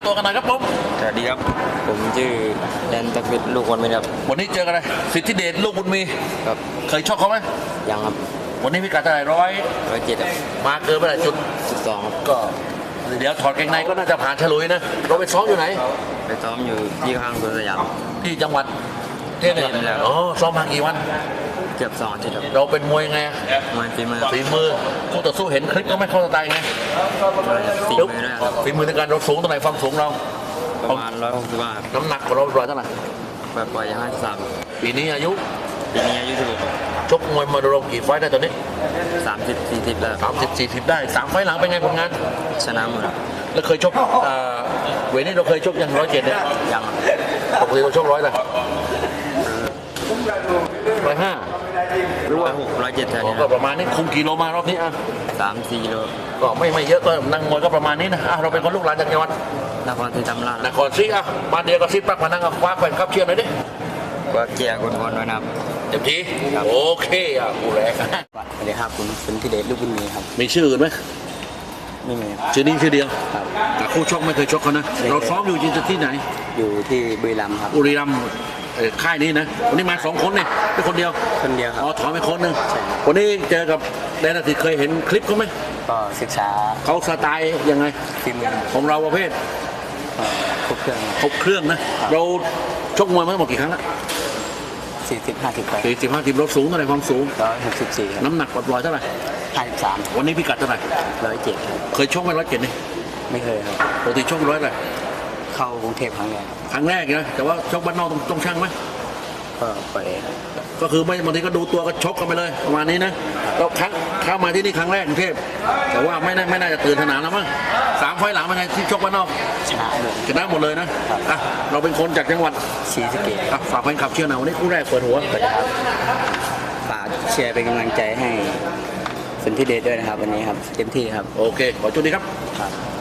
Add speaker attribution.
Speaker 1: ตัวกันหน่อยครับผม
Speaker 2: สวัสดีครับผมชื่อแดนตะกิดลูกคนไม่ครับ
Speaker 1: วันนี้เจอกันเลยสิทธิเดชลูกบุญมี
Speaker 2: ครับ
Speaker 1: เคยชกเขาไหม
Speaker 2: ยังครับ
Speaker 1: วันนี้พิกัดเท่าไหร่
Speaker 2: 107ครับ
Speaker 1: มาเกินไปหลายจุด
Speaker 2: 12ครับ
Speaker 1: ก็เดี๋ยวถอดเกงในก็น่าจะผ่านฉลุยนะเราไปซ้อมอยู่ไหน
Speaker 2: ไปซ้อมอยู่ที่ข้างสวนสยาม
Speaker 1: ที่จังหวัดเทพเนี่ยอ๋อซ้อมมากี่วัน
Speaker 2: เกือบ2 อาทิตย์ครับ
Speaker 1: เราเป็นมวยไง
Speaker 2: มวยฝี
Speaker 1: มือคู่ต่อสู้เห็นคลิปก็ไม่เข้าสไตล์ไงฝีมือในการเราสูงตรงไหนความสูงเรา
Speaker 2: ประมาณ165
Speaker 1: น้ำหนักของเราเท่าไหร่
Speaker 2: แบบปล่อย53
Speaker 1: ปีนี้อายุ
Speaker 2: 16
Speaker 1: ชกมวยมาโดนกี่ไฟได้ตอนนี้
Speaker 2: 30-40แล้ว
Speaker 1: 30-40ได้3ไฟหลังเป็นไงผลงาน
Speaker 2: ชนะหมด
Speaker 1: แล้วเคยชกเวนี้เราเคยชกยัง107เนี่ย
Speaker 2: ยัง
Speaker 1: ปกติเราชก100เลย105
Speaker 2: หรือว่า107แถวนี้
Speaker 1: ก็ประมาณนี้คุมกิโลมารอบนี้
Speaker 2: 3-4 กิโล
Speaker 1: ก็ไม่เยอะก็นั่งมวยก็ประมาณนี้นะเราเป็นคนลูกหลานจากจังหวัด
Speaker 2: นครศรีธรรมราช
Speaker 1: นครศรีบ้านเดียวกับซิปปักมานั่งกับคว้าแฟนครับเชียร์หน่อยดิ
Speaker 2: ว่าเกียร์คนๆไว้นะครับ
Speaker 1: เต็มที่โอเคกูแรก
Speaker 2: สวัสดีครับคุณสิทธิเดชลูกบุญมีครับ
Speaker 1: มีชื่ออื่นไหม
Speaker 2: ไม่มี
Speaker 1: ชื่อนี้ชื่อเดียวแต่คู่ชกไม่เคยชกเขานะเราซ้อมอยู่ที่ไหน
Speaker 2: อยู่ที่บุรีรัมย์ครับ
Speaker 1: บุรีรัมย์ค่ายนี้นะวันนี้มา2 คนเนี่ยเป็นคนเดียว
Speaker 2: ครับ
Speaker 1: ถอยไปคนนึงวันนี้เจอกับแดนอาทิตย์เคยเห็นคลิปเขาไหม
Speaker 2: ก็ศึกษา
Speaker 1: เขาสไตล์ยังไงของเราประเภท
Speaker 2: ครบเค
Speaker 1: รื่องนะเราชกมวยมาหมดกี่ครั้งละ
Speaker 2: 40-50ไป
Speaker 1: 40-50เราสูงเท่าไหร่ความสูง
Speaker 2: 164
Speaker 1: น้ำหนักปล่อยเท่าไหร่
Speaker 2: 53
Speaker 1: วันนี้พิกัดเท่าไหร่
Speaker 2: 107
Speaker 1: เคยชกไหม107นี่
Speaker 2: ไม่เคยครับ
Speaker 1: ปกติชก100เลย
Speaker 2: เข้ากรุงเทพครั้งแรก
Speaker 1: นะแต่ว่าชกบ้านนอกต้องช่างไหม
Speaker 2: ก็ไป
Speaker 1: ก็คือไม่บางทีก็ดูตัวก็ชกกันไปเลยประมาณนี้นะเราเข้ามาที่นี่ครั้งแรกกรุงเทพแต่ว่าไม่น่าจะตื่นสนามแล้วมั้ง3 ไฟล์หลังเป็นไงที่ชกบ้านนอกชนะหมดเลยนะเราเป็นคนจากจังหวัด
Speaker 2: ศรีสะเกษ
Speaker 1: ฝากแฟนคลับเชียร์หน่อยวันนี้คู่แรกเปิดหัว
Speaker 2: ฝากเชียร์เป็นกำลังใจให้สิทธิเดชด้วยนะครับวันนี้ครับเต็มที่ครับ
Speaker 1: โอเคขอโชคดีครับ